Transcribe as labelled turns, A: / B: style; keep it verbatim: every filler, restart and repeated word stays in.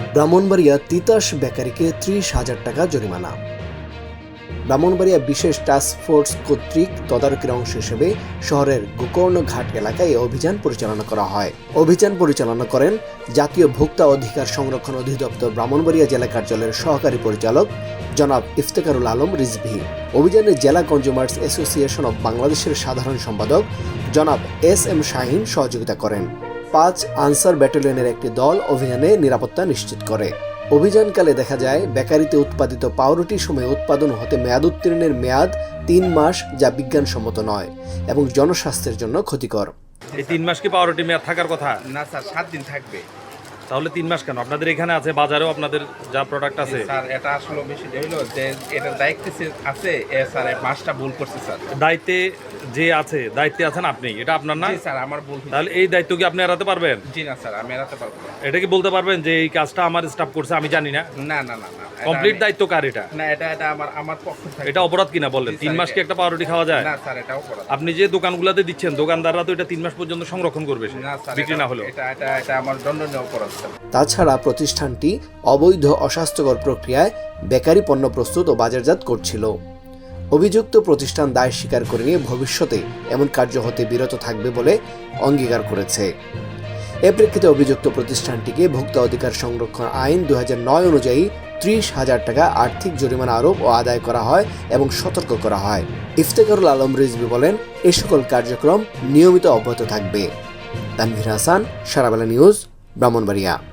A: ব্রাহ্মণবাড়িয়া তিতাস বেকারিকে ত্রিশ হাজার টাকা জরিমানা। ব্রাহ্মণবাড়িয়া বিশেষ টাস্ক ফোর্স কর্তৃক তদারকির অংশ হিসেবে শহরের গোকর্ণ ঘাট এলাকায় অভিযান পরিচালনা করা হয়। অভিযান পরিচালনা করেন জাতীয় ভোক্তা অধিকার সংরক্ষণ অধিদপ্তর ব্রাহ্মণবাড়িয়া জেলা কার্যালয়ের সহকারী পরিচালক জনাব ইফতেখারুল আলম রিজভী। অভিযানে জেলা কনজিউমার্স অ্যাসোসিয়েশন অব বাংলাদেশের সাধারণ সম্পাদক জনাব এস এম শাহিন সহযোগিতা করেন। পাঁচ আনসার ব্যাটালিয়নের একটি দল অভিযানে নিরাপত্তা নিশ্চিত করে। অভিযানকালে দেখা যায় বেকারিতে উৎপাদিত পাউরুটি সময়ে উৎপাদন হতে মেয়াদ উত্তীর্ণের মেয়াদ তিন মাস, যা বিজ্ঞানসম্মত নয় এবং জনস্বাস্থ্যের জন্য ক্ষতিকর।
B: এই তিন মাস কি পাউরুটি মেয়াদ থাকার কথা?
C: না স্যার, সাত দিন থাকবে।
B: তাহলে তিন মাস কেন? আপনাদের এখানে আছে, বাজারেও আপনাদের যা প্রোডাক্ট আছে।
C: স্যার এটা আসলে বেশি হইলো যে এটার দায়িত্ব আছে এ স্যার, মাসটা ভুল করছে স্যার।
B: দায়িত্বে যে আছে, দায়িত্বে আছেন আপনি, এটা আপনার না?
C: জি স্যার, আমার ভুল।
B: তাহলে এই দায়িত্ব কি আপনি এড়াতে পারবেন?
C: জি না স্যার, আমি এড়াতে পারবো না।
B: এটা কি বলতে পারবেন যে এই কাজটা আমার স্টাফ করছে, আমি জানি না?
C: না না না না,
B: কমপ্লিট দায়িত্ব কার এটা?
C: না, এটা এটা আমার আমার পক্ষ থেকে।
B: এটা অপরাধ কিনা বলেন? তিন মাস কি একটা পাউরুটি খাওয়া যায়?
C: না স্যার, এটা অপরাধ।
B: আপনি যে দোকানগুলোতে দিচ্ছেন, দোকানদাররা তো এটা তিন মাস পর্যন্ত সংরক্ষণ করবে,
C: না স্যার,
B: বিক্রি না হলেও।
C: এটা এটা এটা আমার দণ্ডনীয় অপরাধ স্যার।
A: তাছাড়া প্রতিষ্ঠানটি অবৈধ অস্বাস্থ্যকর প্রক্রিয়ায় বেকারি পণ্য প্রস্তুত ও বাজারজাত করছিল। অভিযুক্ত প্রতিষ্ঠান দায় স্বীকার করে নিয়ে ভবিষ্যতে এমন কার্য হতে বিরত থাকবে বলে অঙ্গীকার করেছে। এ প্রেক্ষিতে অভিযুক্ত প্রতিষ্ঠানটিকে ভোক্তা অধিকার সংরক্ষণ আইন দুই হাজার নয় অনুযায়ী ত্রিশ হাজার টাকা আর্থিক জরিমানা আরোপ ও আদায় করা হয় এবং সতর্ক করা হয়। ইফতেখারুল আলম রিজভী বলেন, এ সকল কার্যক্রম নিয়মিত অব্যাহত থাকবে। তানভীর হাসান, সারাবেলা নিউজ, ব্রাহ্মণবাড়িয়া।